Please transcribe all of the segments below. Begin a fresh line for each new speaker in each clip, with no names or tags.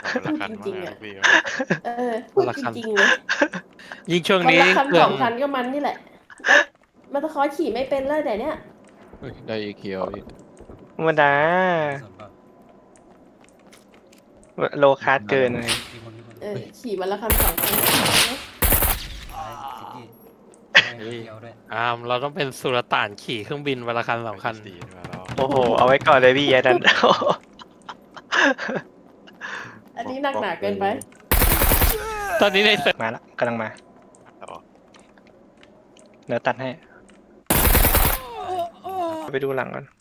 พูดจริงๆอ่ะพูดจริงๆเลย
ยิ่งช่วง
วัน
นี้
ละคัน
เครื่
ส
อ
อง งคันก็มันนี่แหละแล้วมันตะคอขี่ไม่เป็นเลยแต่เนี้ย
ได้อีเคียวพี่
ธรรมดาโลคาร์ดเกินเลย
ขี่วันละคันสองคัน
เราต้องเป็นสุลต่านขี่เครื่องบินวันละคัน2 คัน
ดีมาแล้ว
โอ้โหเอาไว้ก่อนเลยพี่แย่ดัน
อันนี้หนักหนาเกินไป
ตอนนี้ในเซิร์ฟ
มาละกำลังมาเดี๋ยวตัดให้ไปดูหลังก่อน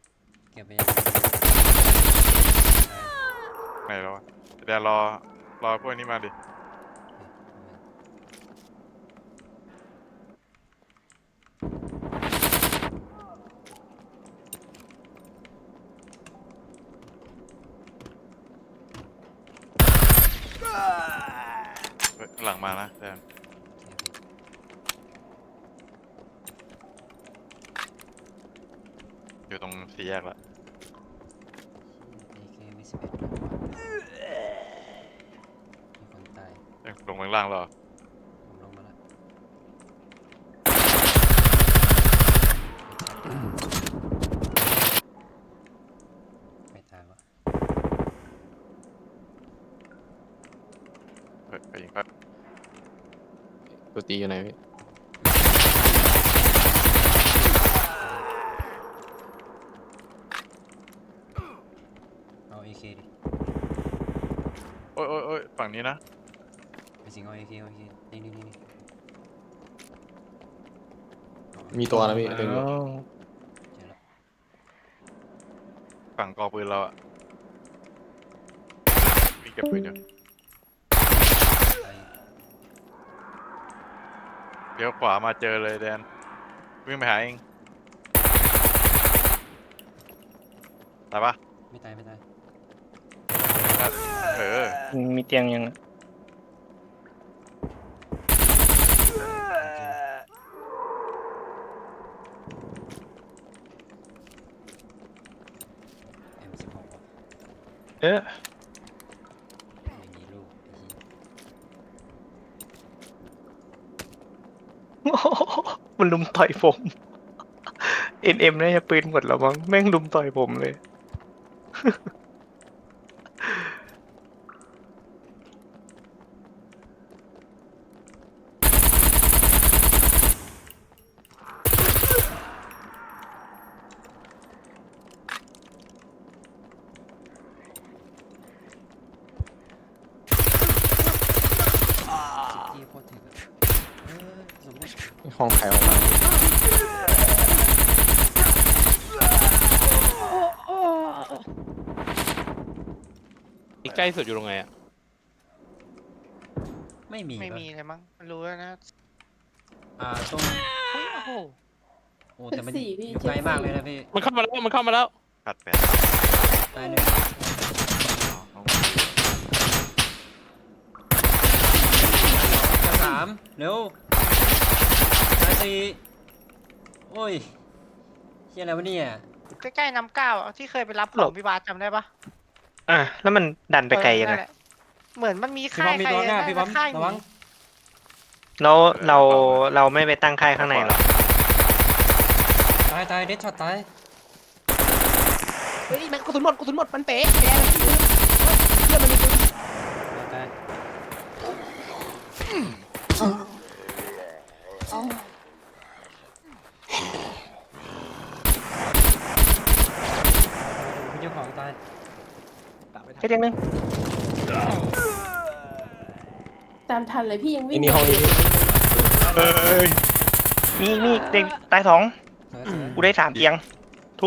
ไม่แล้วเดี๋ยวรอพวกนี้มาดิหลังมานะแดนอยู่ตรงสี่แยกละลงข้างล่างเหรอไปยิงครับตัวตีอยู่ไหนพี่
เอา AK ดิ
โอ้ยฝั่งนี้นะ
ไปสิงเอา AK นี่
มีตัวนะพี่
เจอแล้ว
ฝั่งกอปืนเราอะมีเก็บปืนอยู่เดี๋ยวขวามาเจอเลยแดนวิ่งไปหาเองตายปะ
ไม่ตาย
มีเตียงยัง
M16 ว่ะ
เออ
อย่างนี้ลูก
มันลุมต่อยผม NM น่าจะปืนหมดแล้วมั้งแม่งลุมต่อยผมเลย
ที่โคตรถึกอะสมมติ
ห้องแถวมา
ใกล้สุดอยู่ตรงไหนอ่ะ
ไม่มี
ไม่มีเลยมั้งมันรู้แล้วนะ
ตรง
เฮ้ยโอ้โห
โอ้แต่มัน
สี่พี่
อยู่ไกลมากเลยนะพี่
มันเข้ามาแล้ว
ขัดแปด
ตายหนึ่งตาย3เร็วตาย4โอ้ยเฮียอะไรวะเนี่ย
ใกล้ๆน้ำเก้าอะที่เคยไปรับของพี่บาสจำได้ปะ
แล้วมันดันไปไกลยัง
นั่
ไง
นแหละเหมือนมันมี
พี่
ค่า
บอย มมีตัวหน้า
ใคร
พี่บอม
ค่าย
ระวัง
แล้วเราไม่ไปตั้งค่ายข้างในหรอ
ตายเด็ดช็อตตาย
เฮ้ยมันกระสุนหมดมันเป๊ะแย่เลยเพื่อนมันมีปืน
ตาย พี่เจ้าของตาย
แค่เตียงนึง
ตามทันเลยพี่ยังวิ่ง
นี่ห้องนี้
มีเตียงตาย2กูได้3เตียงทุบ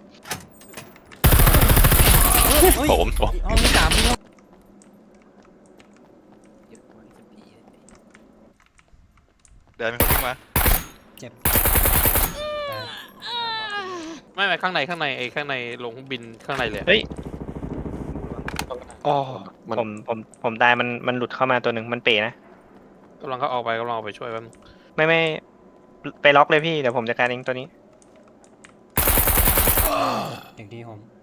ผม
ห้องที่3พี่
แดนเป็นคนวิ่งมา
เจ็บ
ไม่ข้างในข้างในลงเครื่องบินข้างในเลย
เฮ้ยอ๋อผมตายมันหลุดเข้ามาตัวหนึ่งมันเป๋นะ
กำลังเขาออกไปช่วยแป๊บนึง
ไม่ไปล็อกเลยพี่เดี๋ยวผมจัดการเองตัวนี้
อย่างที่ผม